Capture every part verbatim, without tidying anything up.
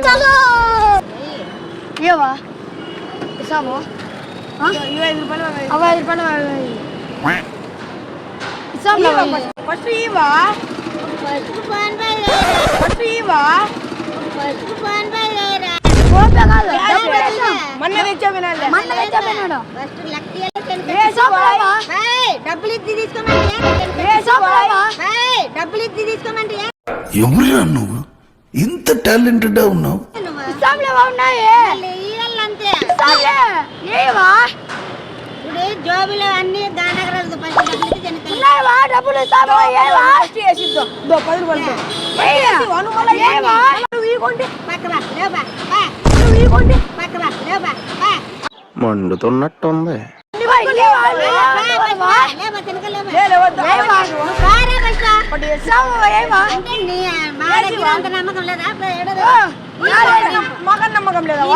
ఏవా ఇస్తాము ఐదు రూపాయలు అవి ఐదు రూపాయలు ఇస్తాము ఫస్ట్ ఇవా ఫస్ట్ ఇవా మొన్న తెచ్చా వినాలి మొన్న తెచ్చా వినాడు డబ్బులు ఇచ్చి తీసుకోమంటే డబ్బులు ఇచ్చి తీసుకోమంటే ఎవరు నువ్వు ఇంత టాలెంటెడ్ ఉన్నావు ఇప్పుడు జోబులో అన్ని దానగరాలు డబ్బులు మండుతున్నట్టుంది నమ్మకం లేదా నమ్మకం లేదా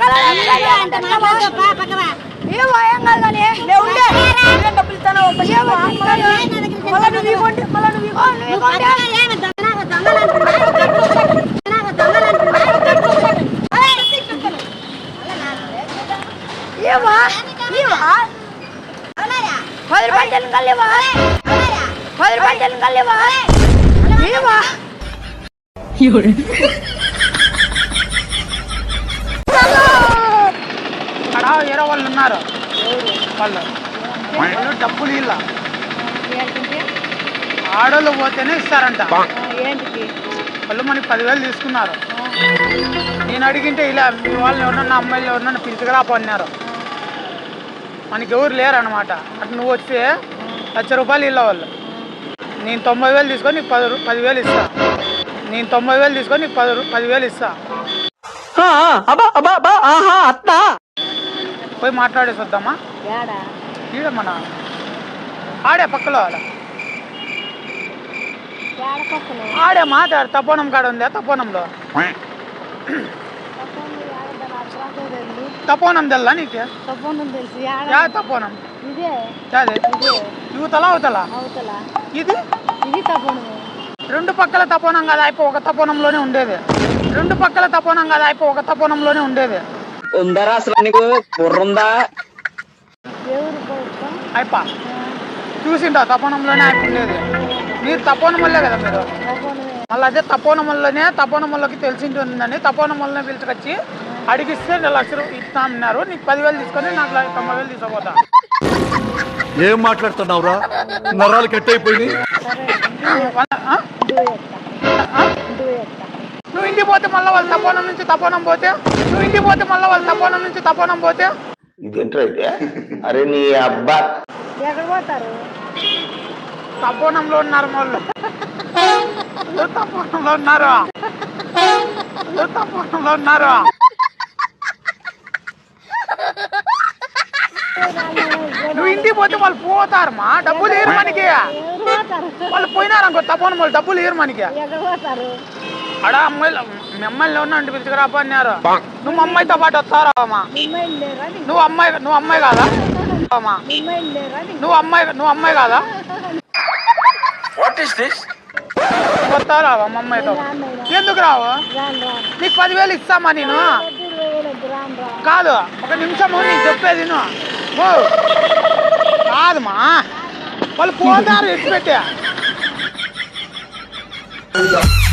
పది రూపాయలు కలేవా పది రూపాయలు కలేవా అక్కడ వేరే వాళ్ళు ఉన్నారు వాళ్ళు వాళ్ళు డబ్బులు ఇలా ఆడోళ్ళు పోతేనే ఇస్తారంట వాళ్ళు మనకి పదివేలు తీసుకున్నారు. నేను అడిగింటే ఇలా మీ వాళ్ళని ఎవరన్నా అమ్మాయిలు ఎవరన్నా పిలుచుకురాపో అన్నారు. మనకి ఎవరు లేరు అనమాట. అటు నువ్వు వస్తే లక్ష రూపాయలు ఇళ్ళ వాళ్ళు నేను తొంభై వేలు తీసుకొని నీకు పది పదివేలు ఇస్తా నేను తొంభై వేలు తీసుకొని నీకు పది పదివేలు ఇస్తా పోయి మాట్లాడేసి వద్దామా ఈడ మన ఆడే పక్కలో అలా ఆడే మాట్లాడు తపోనం కాడ ఉందా తపోనంలో తపోనం తెల్లా నీకు యా తపోనం యువతలా అవతలా ఇది రెండు పక్కల తపోనం కదా అయిపో ఒక తపోనంలోనే ఉండేది రెండు పక్కల తపోనం కదా అయిపో ఒక తపోనంలోనే ఉండేది ఉందరా అసలు నీకు బుర్రుందా అయిపా చూసింటా తపోనంలోనే అయిపో ఉండేది. మీరు తపోనం వల్లే కదా మీరు మళ్ళీ అదే తపోనం వల్లనే తపోనం వల్లకి తెలిసింటుందని తపోనం వల్లనే పిలుచుకొచ్చి అడిగిస్తే లక్ష రూపాయలు ఇస్తా అన్నారు. నీకు పదివేలు తీసుకొని నాకు తొంభై వేలు తీసుకోపోతా. ఏం మాట్లాడుతున్నావురా నరాలు కట్ అయిపోయింది. నువ్వు ఇంటికి పోతే మళ్ళీ వాళ్ళు తపోనం నుంచి తపోనం పోతే నువ్వు ఇంటికి పోతే మళ్ళీ వాళ్ళు తపోనం నుంచి తపోనం పోతే ఇదేంటైతే అరే నీ అబ్బా ఎక్కడ పోతారు తపోనంలో ఉన్నారు వాళ్ళు తపోనంలో ఉన్నారు తపోనంలో ఉన్నారు నువ్వు ఇంటికి పోతే వాళ్ళు పోతారమ్మా డబ్బులు ఏరు మనకి వాళ్ళు పోయినారు అనుకో తపోనం వాళ్ళు డబ్బులు ఏరు మనకి అడా అమ్మాయిలు మిమ్మల్ని ఉన్నా ఇంటి పిలుచుకురాపా అన్నారు. నువ్వు అమ్మాయితో పాటు వస్తారా అమ్మా నువ్వు అమ్మాయి నువ్వు అమ్మాయి కాదా అమ్మా నువ్వు అమ్మాయి నువ్వు అమ్మాయి కాదా వస్తారా మా అమ్మాయితో ఎందుకు రావు నీకు పదివేలు ఇస్తామా నేను కాదు ఒక నిమిషము నీకు చెప్పేది కాదమ్మా వాళ్ళు పోతారు ఎత్తి పెట్టా